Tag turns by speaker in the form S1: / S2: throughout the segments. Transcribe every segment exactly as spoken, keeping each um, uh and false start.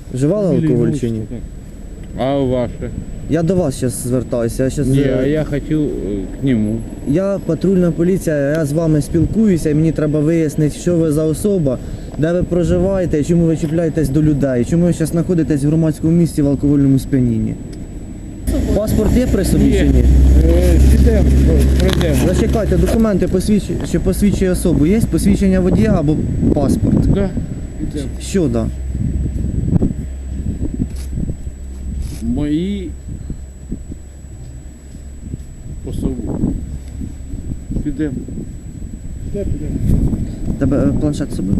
S1: Вживали алкоголь чи ні?
S2: А ваше?
S1: Я до вас зараз звертаюся. Я, щас...
S2: Не, а я хотел э, к нему.
S1: я патрульна поліція, я з вами спілкуюся і мені треба вияснити, що ви за особа, де ви проживаєте, і чому ви чіпляєтесь до людей, чому ви зараз знаходитесь в громадському місці в алкогольному сп'янінні. Паспорт є при собі чи ні?
S2: Підемо, пройдемо.
S1: Зачекайте, документи, посвідч- що посвідчує особу. Є посвідчення водія або паспорт?
S2: Да, підемо.
S1: Що да?
S2: Мої особи. Підемо.
S1: Тебе е, планшет з собою?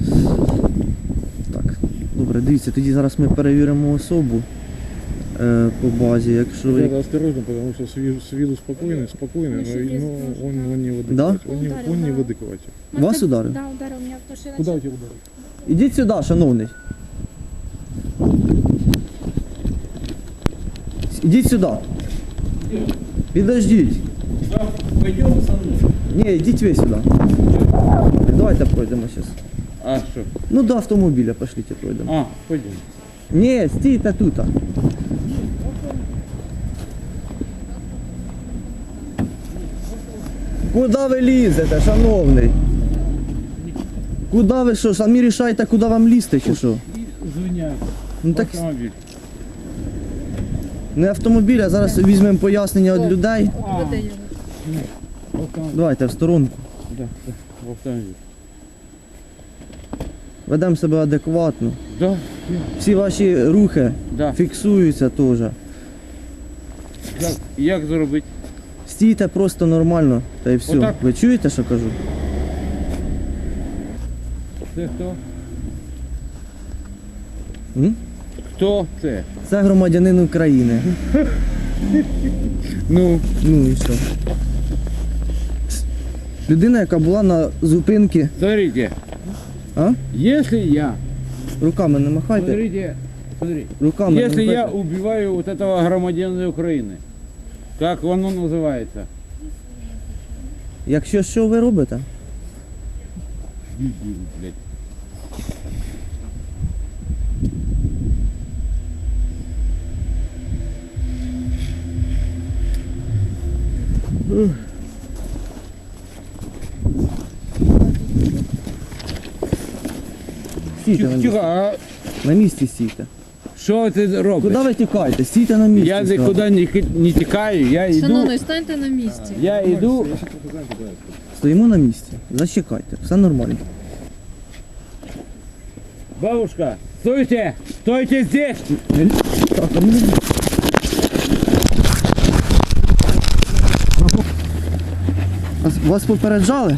S1: Так, добре, дивіться, тоді зараз ми перевіримо особу е, по базі, якщо...
S3: Надо осторожно, потому что с виду, с виду спокойный, спокойный, но, но он, он не выдыхать.
S1: Да?
S3: Он не, он не выдыхать.
S1: Вас ударив?
S4: Да, ударил меня, потому что я
S3: Куда у
S4: начала-
S3: тебя ударил?
S1: Ідіть сюди, шановний. Ідіть сюди. Підождіть.
S2: Пойдемо со мною.
S1: Ні, йдіть ви сюди. Давайте пройдемо зараз.
S2: А що?
S1: Ну до автомобіля пошліть пройдемо.
S2: А, пойдемо.
S1: Ні, стійте тут. Куди ви лізете, шановний? Куди ви що? Самі рішаєте, куди вам лізти чи що?
S2: Звиняйся.
S1: Ну так
S2: Автомобіль.
S1: не автомобіль, а зараз візьмемо пояснення від людей.
S4: Веди його.
S2: Автомобіль.
S1: Давайте в сторонку.
S2: Да, да, в автомобіль.
S1: Ведемо себе адекватно.
S2: Да,
S1: Всі ваші рухи
S2: да.
S1: фіксуються теж.
S2: Як, як зробити?
S1: Стійте просто нормально, та й все.
S2: Отак.
S1: Ви чуєте, що кажу?
S2: Це хто?
S1: М?
S2: Хто це?
S1: Це громадянин України.
S2: Ну,
S1: Ну і що? Людина, яка була на зупинці.
S2: смотрите.
S1: А?
S2: Если я,
S1: Руками не махайте.
S2: смотрите, смотри,
S1: Руками не
S2: если я
S1: махайте.
S2: убиваю вот этого громадянина України, как воно називається?
S1: Якщо що ви робите?
S2: Дебіл, блядь.
S1: Стійте на
S2: Тихо,
S1: місці.
S2: тихо, а
S1: На місці стійте.
S2: що ти робиш?
S1: Куди ви тікаєте? Стійте на місці.
S2: Я
S1: сказав.
S2: нікуди не, ки- не тікаю, я йду,
S4: Шановний, станьте на місці.
S2: я йду,
S1: Стоїмо на місці. Зачекайте. Все нормально.
S2: бабушка, стойте, стойте здесь.
S1: Так, а мені- Вас, вас попереджали?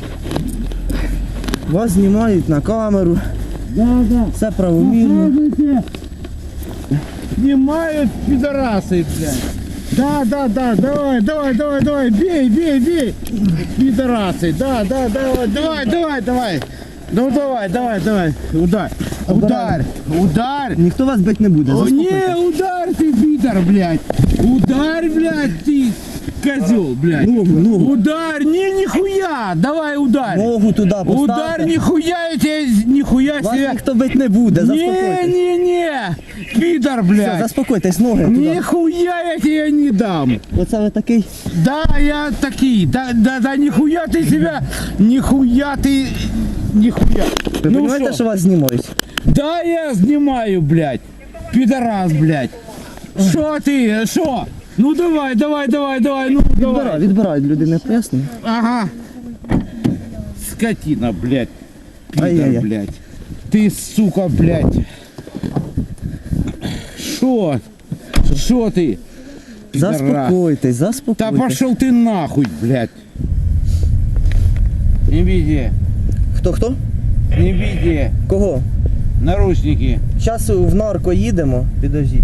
S1: Вас знімають на камеру.
S2: Да, да.
S1: Все правомірно.
S2: Слушайте, снимают пидорасы, блядь. Да, да, да, давай, давай, давай, давай, бей, бей, бей. Пидорасы, да, да, давай, давай, давай, давай. Ну давай, давай, давай, ударь, ударь, ударь.
S1: Ніхто вас бить не буде.
S2: О,
S1: заспокойтесь.
S2: не, ударь ты, пидор, блядь. Ударь, блядь, ты, козел, блядь.
S1: Ногу, ногу.
S2: Ударь, не, нихуя, давай ударь.
S1: Ногу туди
S2: Ударь,
S1: поставте.
S2: нихуя, я тебе, нихуя
S1: Вас
S2: себе.
S1: ніхто бить не буде.
S2: Не,
S1: Заспокойтесь.
S2: не, не, пидор,
S1: Все,
S2: блядь.
S1: заспокойтесь, ноги туди.
S2: Нихуя я тебе не дам.
S1: Оце ви такий.
S2: Да, я такие. Да, да, да, нихуя ты себя. Нихуя ты. Нихуя.
S1: Ви
S2: Ну
S1: розумієте,
S2: шо?
S1: що вас знімають?
S2: Да, я снимаю, блядь. Пидорас, блядь. Шо ты, шо? Ну давай, давай, давай, давай, ну
S1: Відбирають,
S2: давай.
S1: відбирають людини пояснення.
S2: Ага. Скотина, блядь. Пидор,
S1: Ай-яй-яй.
S2: блядь. Ты, сука, блядь. Шо? Шо ты? Пидорас.
S1: Заспокойтесь,
S2: Да
S1: заспокойтесь.
S2: пошел ты нахуй, блядь. Не беде,
S1: Хто хто?
S2: не беде.
S1: Кого?
S2: Наручники.
S1: Зараз в нарко їдемо, підождіть.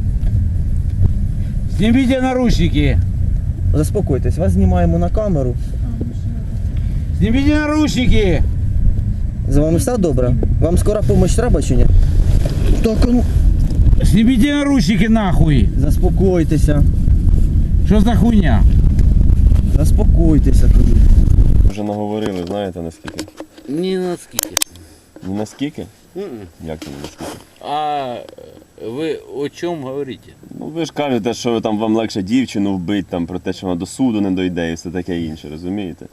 S2: Снимите наручники.
S1: Заспокойтесь, вас знімаємо на камеру.
S2: Снимите наручники.
S1: З вами все добре? Вам скора допомога треба чи ні? Так, а ну.
S2: Снимите наручники нахуй.
S1: Заспокойтеся.
S2: Что за хуйня?
S1: Заспокойтеся, кажу.
S5: Вже наговорили, знаєте наскільки?
S2: Не наскільки.
S5: Ні наскільки? Як це не скажете?
S6: А ви о чому говорите?
S5: Ну ви ж кажете, що там вам легше дівчину вбити, там, про те, що вона до суду не дойде і все таке інше, розумієте?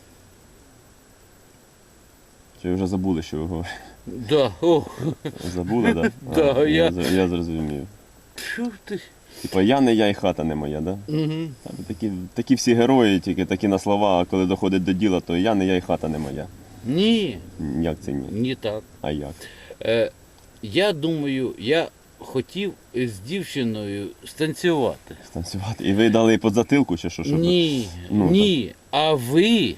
S5: Чи ви вже забули, що ви говорите?
S6: Да, ох,
S5: Забули, так?
S6: Да,
S5: я...
S6: я-
S5: з- я зрозумів.
S6: що ти?
S5: Типа я не я і хата не моя, так? Да?
S6: Угу.
S5: Та ви Такі, такі всі герої, тільки такі на слова, а коли доходить до діла, то я не я і хата не моя.
S6: Ні,
S5: Як це ні?
S6: не так.
S5: А як?
S6: Е, я думаю, я хотів з дівчиною станцювати.
S5: Станцювати. І ви дали по затилку чи що? Щоб...
S6: Ні,
S5: Ну,
S6: ні. А ви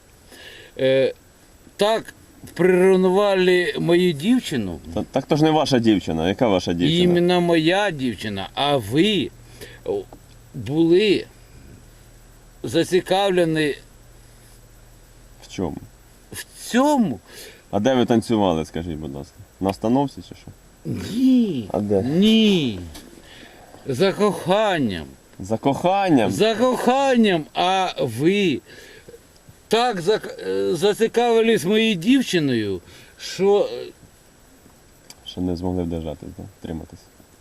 S6: е, так приревнували мою дівчину,
S5: Та, так то ж не ваша дівчина. Яка ваша дівчина?
S6: іменно моя дівчина, а ви о, були зацікавлені
S5: В чому?
S6: в цьому.
S5: А де ви танцювали, скажіть, будь ласка? На остановці чи що?
S6: Ні.
S5: А де?
S6: Ні. За коханням.
S5: За коханням?
S6: За коханням, а ви так зак- е, зацікавились моєю дівчиною, що, е,
S5: Що не змогли вдержатись, да? Триматись.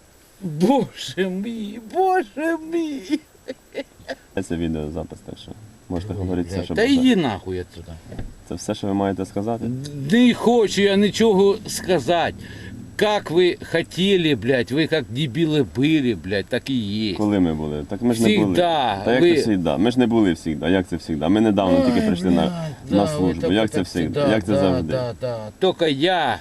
S6: боже мій, боже мій.
S5: Це відеозапис, так що можете говорити все, що
S6: Та
S5: бажаєте.
S6: йди нахуй отсюда.
S5: Це все, що ви маєте сказати?
S6: Не хочу я нічого сказати. Как ви хотіли, блядь, ви як дебіли були, блядь, так і є.
S5: Коли ми були? Так ми ж не були.
S6: Всігда.
S5: Та як
S6: Ви-
S5: це завжди? Ми ж не були завжди. Як це завжди? Ми недавно тільки прийшли на,
S6: блядь,
S5: на
S6: да,
S5: службу.
S6: ви
S5: Як
S6: так
S5: це
S6: так
S5: завжди? Як це
S6: да,
S5: завжди?
S6: Да, да. Тільки я.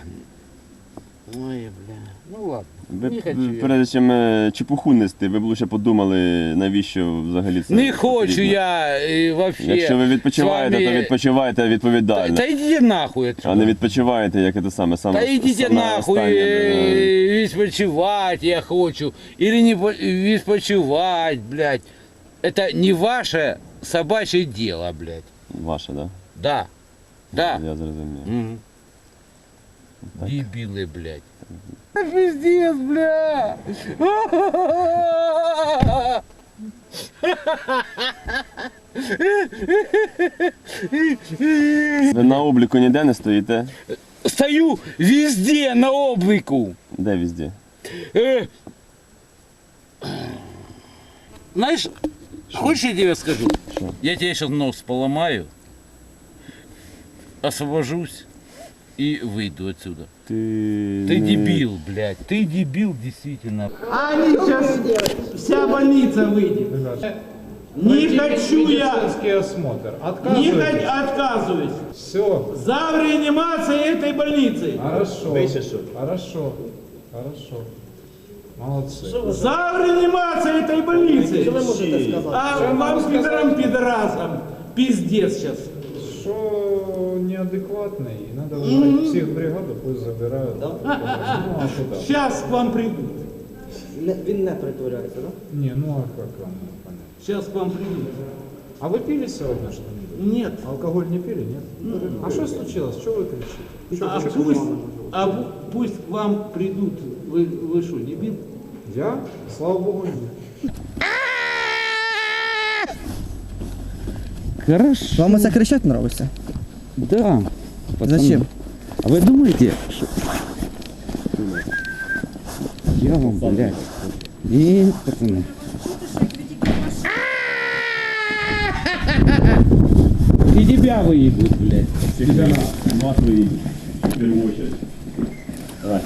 S6: Ой, бля. Ну ладно.
S5: Ви
S6: Не
S5: б,
S6: хочу я.
S5: перед чим е, чепуху нести, ви б лише подумали, навіщо взагалі це
S6: Не хочу
S5: потрібно.
S6: я і вообще.
S5: Якщо ви відпочиваєте,
S6: з вами-
S5: то відпочивайте
S6: Та,
S5: відповідально.
S6: та йдіть нахуй
S5: А
S6: отсюда.
S5: не відпочиваєте, як це саме. саме
S6: Та йдіть
S5: саме
S6: нахуй,
S5: останнє, е,
S6: е, відпочивати я хочу. Или не по- відпочивати, блядь. Это не ваше собачье дело, блядь.
S5: Ваше, да?
S6: Да. Да.
S5: Я зрозумів.
S6: Мгм.
S5: Так.
S6: Дебилы, блядь. Пиздец, бля.
S5: Ви на обліку ніде не стоїте?
S6: Стою везде на облику.
S5: Де везде?
S6: Э, Знаешь, хочешь я тебе скажу?
S5: Что?
S6: Я тебе сейчас нос поломаю, освобожусь и выйду отсюда.
S5: Ти,
S6: Ты
S5: не-
S6: дебил, блядь, ты дебил действительно.
S2: А они сейчас, вся больница выйдет. Не хочу я,
S3: Медицинский осмотр.
S2: не
S3: Отказывайтесь.
S2: хочу, отказываюсь.
S3: Все.
S2: За реанимацией этой больницы.
S3: Хорошо. Хорошо. Хорошо. Молодцы.
S2: За реанимацией этой больницы. А вам пидорам пидорасам пиздец сейчас.
S3: Что неадекватный, надо вызывать психбригаду, пусть забирают. Ну, а куда?
S2: Сейчас к вам придут.
S1: Він не притворяється, так?
S3: Не, ну а как вам понять?
S2: Сейчас к вам придут.
S3: А вы пили сегодня что-нибудь?
S2: Нет.
S3: Алкоголь не пили, нет? А что случилось? Что вы кричите?
S2: А пусть, а пу- пусть к вам придут. Вы, вы что, дебил?
S3: Я? Слава богу, нет.
S6: Хорошо.
S1: Вам це кричать нравиться?
S6: Да.
S1: Зачем?
S6: А вы думаете, что... Я вам, блядь. Нет, пацаны. И тебя выебут, блядь.
S5: Всегда вас выйдет, в первую очередь. Давай.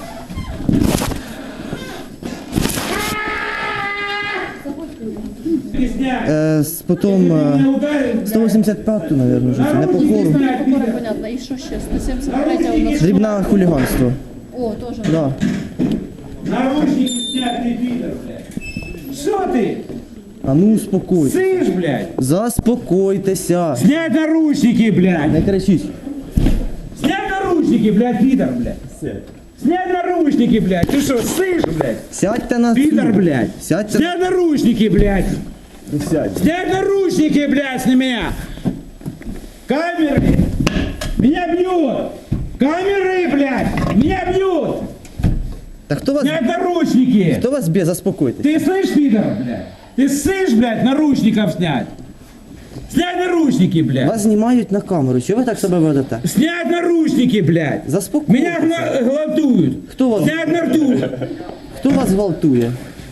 S1: Е, з- потім е, сто вісімдесят п'яту, мабуть, вже це, не по хору.
S4: Покора, понятно. І що ще? сто сімдесят третя у нас.
S1: Дрібне хуліганство.
S4: О, теж.
S1: Да.
S2: Наручники снятый, пидор, блядь. Что ты?
S1: А ну успокойтесь.
S2: Сышь, блядь.
S1: Заспокойтеся.
S2: Снять наручники, блядь.
S1: Не кричіть.
S2: Снять наручники, блядь, пидор, блядь. Снять наручники, блядь. Ты что, сышь, блядь?
S1: Сядьте на
S2: Пидор,
S1: стул.
S2: блядь.
S1: Сядьте.
S2: Снять наручники, блядь. Снять наручники, блядь, с меня. Камеры. Меня бьют. Камеры, блядь. Меня бьют.
S1: Та хто вас,
S2: Снять наручники.
S1: хто вас б'є? Заспокойтесь.
S2: Ты слышь, пидор, блядь? Ты слышь, блядь, наручников снять?
S6: Снять наручники, блядь!
S1: Вас знімають на камеру. Чого ви так себе ведете?
S6: Снять наручники, блядь!
S1: Заспокойтеся.
S6: Меня гла- гладуют!
S1: Хто вас,
S6: Снять наручники!
S1: хто вас гвалтує?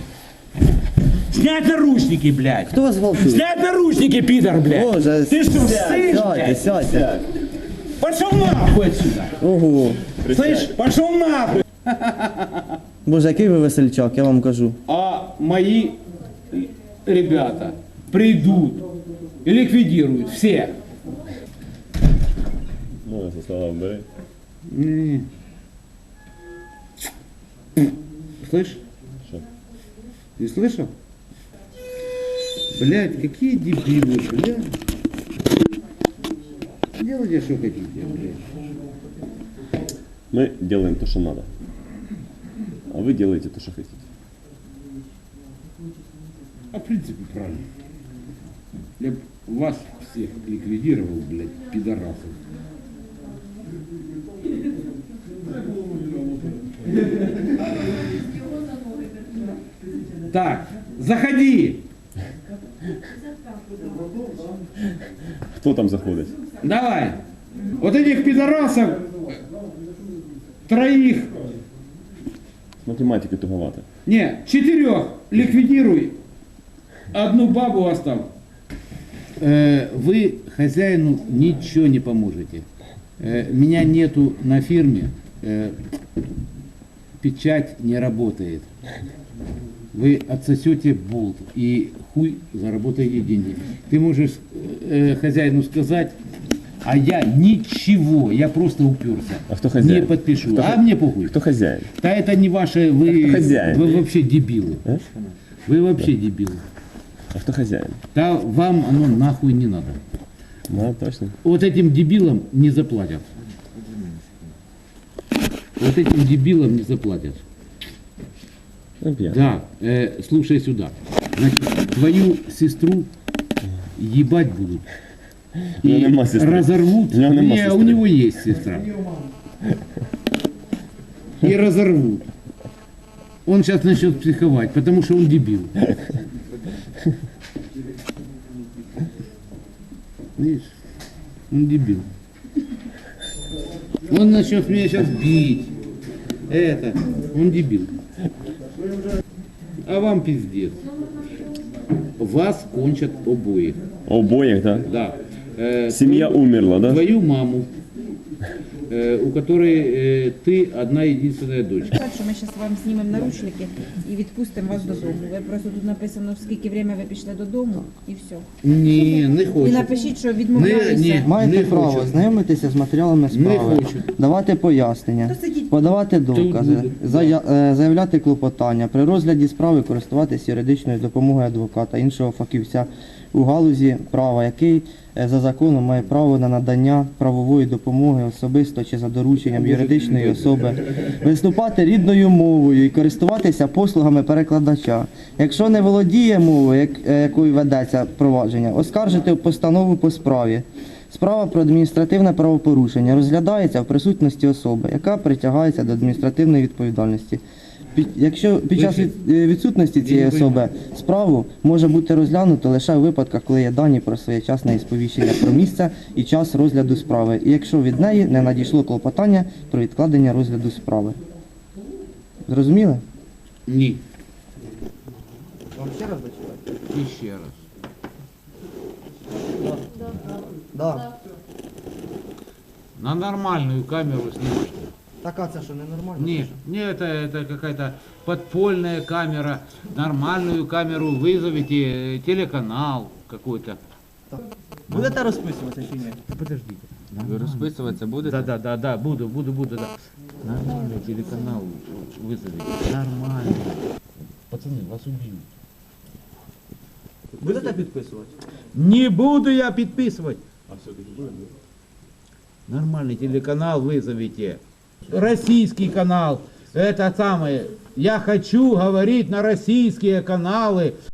S6: Снять наручники, блядь!
S1: Хто вас гвалтує?
S6: Снять наручники, пидор, блядь!
S1: Боже,
S6: Ты что, слышь,
S1: сядьте,
S6: блядь?
S1: сядьте.
S6: Пошел нахуй отсюда!
S1: Ого.
S6: Слышь, пошел нахуй!
S1: Боже, який ви весельчак, я вам кажу.
S6: А мои ребята придут и ликвидируют всех.
S5: Ну, со слова бери.
S6: Не. Слышь?
S5: Что?
S6: Ты слышал? Блядь, какие дебилы, блядь. Делайте, что хотите, блядь.
S5: Мы делаем то, что надо. А вы делаете то, что хотите.
S6: А в принципе правильно. Я б вас всех ликвидировал, блядь, пидорасов. Так, заходи!
S5: Хто там заходить?
S6: Давай! Вот этих пидорасов троих,
S5: З математики туговато.
S6: не, четырех ликвидируй, одну бабу оставь. Э, вы хозяину ничего не поможете. Э, меня нету на фирме, э, печать не работает. Вы отсосете болт и хуй заработаете деньги. Ты можешь э, хозяину сказать, а я ничего, я просто уперся.
S5: А кто хозяин?
S6: Не подпишу.
S5: Кто
S6: а
S5: хо-
S6: мне похуй.
S5: Кто хозяин?
S6: Да это не ваше, вы,
S5: А кто хозяин?
S6: вы вообще дебилы.
S5: А?
S6: Вы вообще дебилы.
S5: А кто хозяин?
S6: Да вам оно нахуй не надо.
S5: Да, точно.
S6: Вот этим дебилам не заплатят. Вот этим дебилам не заплатят.
S5: Ну, пьян.
S6: Да, э, слушай сюда. Значит, твою сестру ебать будут.
S5: У него
S6: И
S5: нема сестры.
S6: разорвут.
S5: У него нема
S6: Не,
S5: сестры.
S6: у него есть сестра. И разорвут. Он сейчас начнет психовать, потому что он дебил. Видишь? Он дебил. Он начнет меня сейчас бить. Это, он дебил. А вам пиздец. Вас кончат обоих.
S5: Обоих, да?
S6: Да. Э,
S5: Семья
S6: твою-
S5: умерла, да?
S6: Твою маму, э, у которой э, ты одна единственная дочь.
S7: Так, що ми зараз вам знімемо наручники і відпустимо вас додому. Ви просто тут написано, в скільки время ви пішли додому, і все.
S6: Ні, не
S7: І
S6: хочу.
S7: напишіть, що
S6: Не,
S7: відмовляюся.
S6: ні.
S1: Маєте
S6: Не
S1: право
S6: хочу.
S1: знайомитися з матеріалами справи,
S6: хочу.
S1: давати пояснення,
S7: То сидіть.
S1: подавати докази,
S6: буду.
S1: зая- е, заявляти клопотання, при розгляді справи користуватися юридичною допомогою адвоката, іншого фахівця у галузі права, який е, за законом має право на надання правової допомоги особисто чи за дорученням юридичної особи, виступати рідною мовою і користуватися послугами перекладача. Якщо не володіє мовою, як- е, якою ведеться провадження, оскаржити постанову по справі. Справа про адміністративне правопорушення розглядається в присутності особи, яка притягається до адміністративної відповідальності. Під, якщо під час від, е, відсутності цієї особи справу може бути розглянуто лише у випадках, коли є дані про своєчасне сповіщення про місце і час розгляду справи, і якщо від неї не надійшло клопотання про відкладення розгляду справи. Зрозуміли?
S6: Ні.
S1: Вам ще раз зачитати?
S6: І ще раз.
S1: Да.
S6: На нормальную камеру снимать.
S1: Так, а це що, ненормально?
S6: Нет, не это, это какая-то подпольная камера. Нормальную камеру вызовите, э, телеканал какой-то.
S1: Будете розписуватися чи ні?
S6: Подождите.
S8: Ви розписуватися будете?
S6: Да, да, да, да, буду, буду, буду, да. Нормальный телеканал вызовите. Нормально. Пацаны, вас убьют.
S1: Будете підписувати?
S6: Не буду я подписывать. А все-таки будет? Нормальный телеканал вызовите. Российский канал. Это самое. Я хочу говорить на российские каналы.